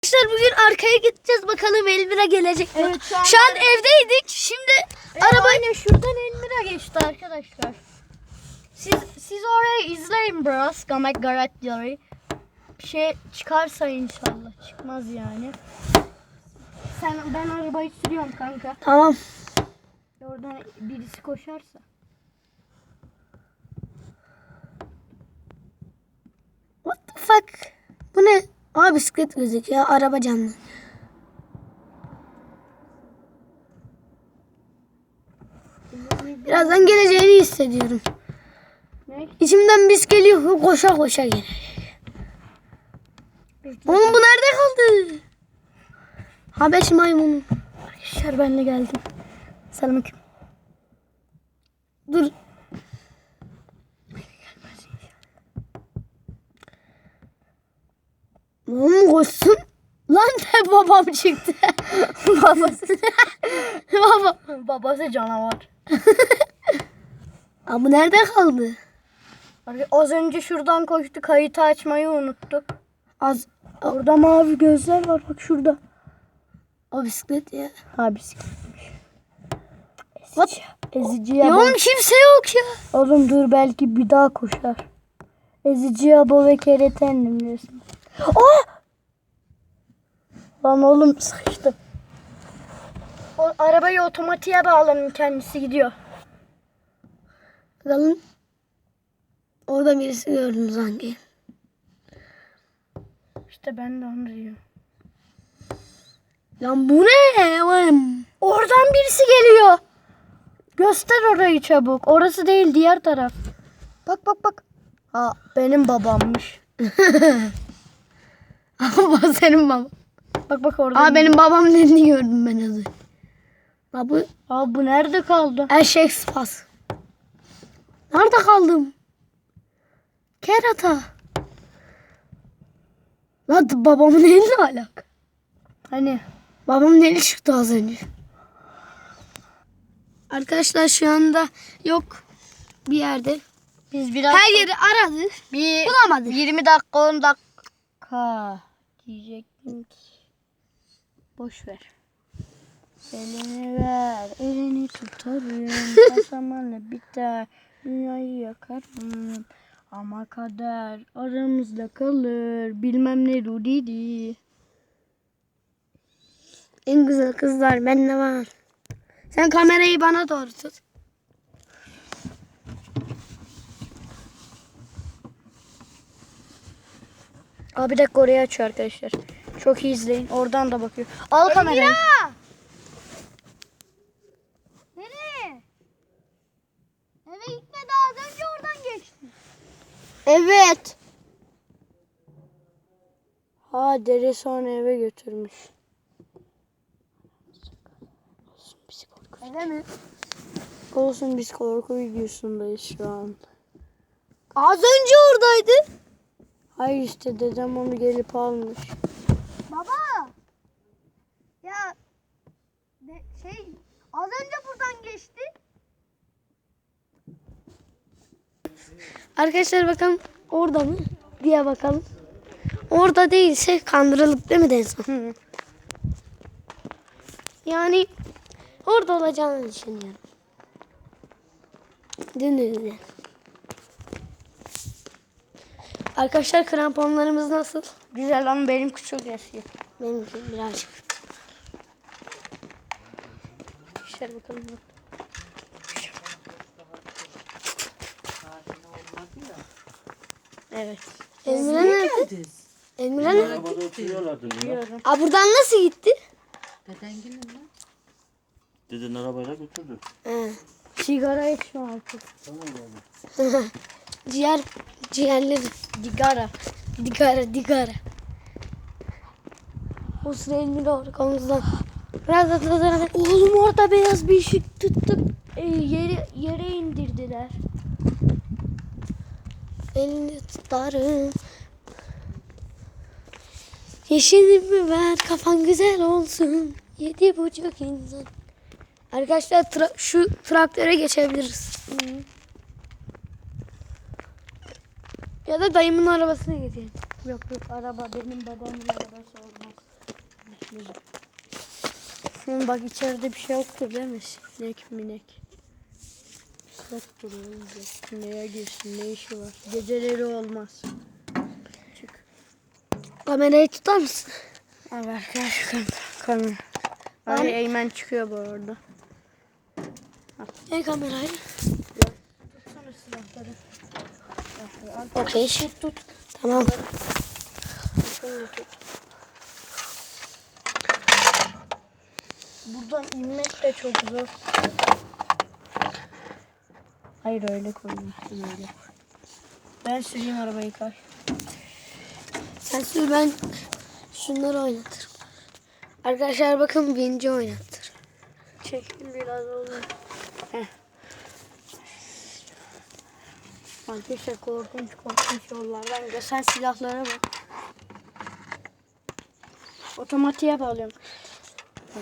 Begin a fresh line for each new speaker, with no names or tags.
Arkadaşlar bugün arkaya gideceğiz, bakalım Elmira gelecek mi?
Evet,
şu an evdeydik. Şimdi arabayla
şuradan Elmira geçti arkadaşlar. Siz orayı izleyin biraz. Gamek Garet Diary. Bir şey çıkarsa inşallah. Çıkmaz yani. Ben arabayı sürüyorum kanka.
tamam.
Oradan birisi koşarsa.
What the fuck? Bu ne? Aa, bisiklet gözüküyor. Araba canlı. Birazdan geleceğini hissediyorum.
Ne?
İçimden bis geliyor. Koşa koşa gelecek. Oğlum bu nerede kaldı? Habeş maymunu.
Arkadaşlar ben de geldim. Selamünaleyküm.
Dur. Oğlum koşsun. Lan de babam çıktı.
Babası. Babası canavar.
Aa, bu nerede kaldı?
Az önce şuradan koştu. Kayıtı açmayı unuttuk.
Az.
Orada mavi gözler var. Bak şurada.
O bisiklet ya.
Ha bisikletmiş.
What?
Eziciye
Ya
bak.
oğlum kimse yok ya.
Oğlum dur belki bir daha koşar. Ezici abo ve kereten diyorsun. Aa! Lan oğlum sıkıştım. O arabayı otomatiğe bağlanın, kendisi gidiyor.
Bakalım. Orada birisi gördüm sanki.
İşte ben de onu diyorum.
Lan bu ne? Oğlum.
Oradan birisi geliyor. Göster orayı çabuk. Orası değil, diğer taraf. Bak bak bak. Ha benim babammış.
Ama senin baba.
Bak bak orada.
Aa, benim babam dediğini gördüm ben az önce. Aa, bu
Bu nerede kaldı?
eşek spas. Nerede kaldım? Kerata. Lan babamın eline alak.
Hani?
Babamın eli çıktı az önce. Arkadaşlar şu anda yok bir yerde.
Biz biraz
Her yeri aradı. Bulamadık.
20 dakika 10 dakika diyecektim ki. Boş ver. Elini ver, elini tutarım. Kasamanla biter, dünyayı yakarım. Ama kader aramızda kalır. Bilmem ne Rudidi.
En güzel kızlar bende var. Sen kamerayı bana doğru tut.
Bir dakika oraya açıyor arkadaşlar. Çok iyi izleyin. Oradan da bakıyor. Al kamerayı.
Nereye? Eve gitmedi, az önce oradan geçti.
Evet. Deri sonra eve götürmüş.
Eve mi?
Olsun, biz korku videosundayız şu an.
Az önce oradaydı.
Hayır işte dedem onu gelip almış.
Baba. Ya az önce buradan geçti. Arkadaşlar bakalım orada mı diye bakalım. Orada değilse kandırılık değil mi Denson? Yani orada olacağını düşünüyorum. Dün. Arkadaşlar kramponlarımız nasıl?
Güzel ama benim küçük eski.
Benimki birazcık.
İşte bakalım. Evet.
Emre nerede? Emre nerede?
Arabada oturuyorlardı bunlar.
Aa, buradan nasıl gitti?
Deden arabayla götürdü.
He.
Sigara içme artık.
Ciğerleri.
Sigara.
Digara. O sıra elini doğru omuzdan.
Oğlum orada beyaz bir ışık tuttu. Yere indirdiler.
Elini tutarım. Yeşilimi ver, kafan güzel olsun. 7,5 insan. Arkadaşlar şu traktöre geçebiliriz. Ya da dayımın arabasına gidelim.
Yok araba benim babamın arabası olmaz. Şimdi bak içeride bir şey yoktur değil mi? Sinek minek. Yoktur oğlum. Neye girsin, ne işi var? Geceleri olmaz. Çık.
Kamerayı tutar mısın?
Al ver gel şu kamera. Ay Eymen çıkıyor bu arada.
Ne kamerayı?
Tutsana silahları.
Okey.
Tut.
Tamam.
Buradan inmek de çok zor. Hayır öyle koymuyorsun öyle. Ben süreyim arabayı kay.
Sen sür, ben şunları oynatırım. Arkadaşlar bakın Vinci oynattır.
Çekil biraz oğlum. Heh. Arkadaşlar korkunç yollardan gidiyor. Sen silahlara bak. Otomatiğe bağlıyorum.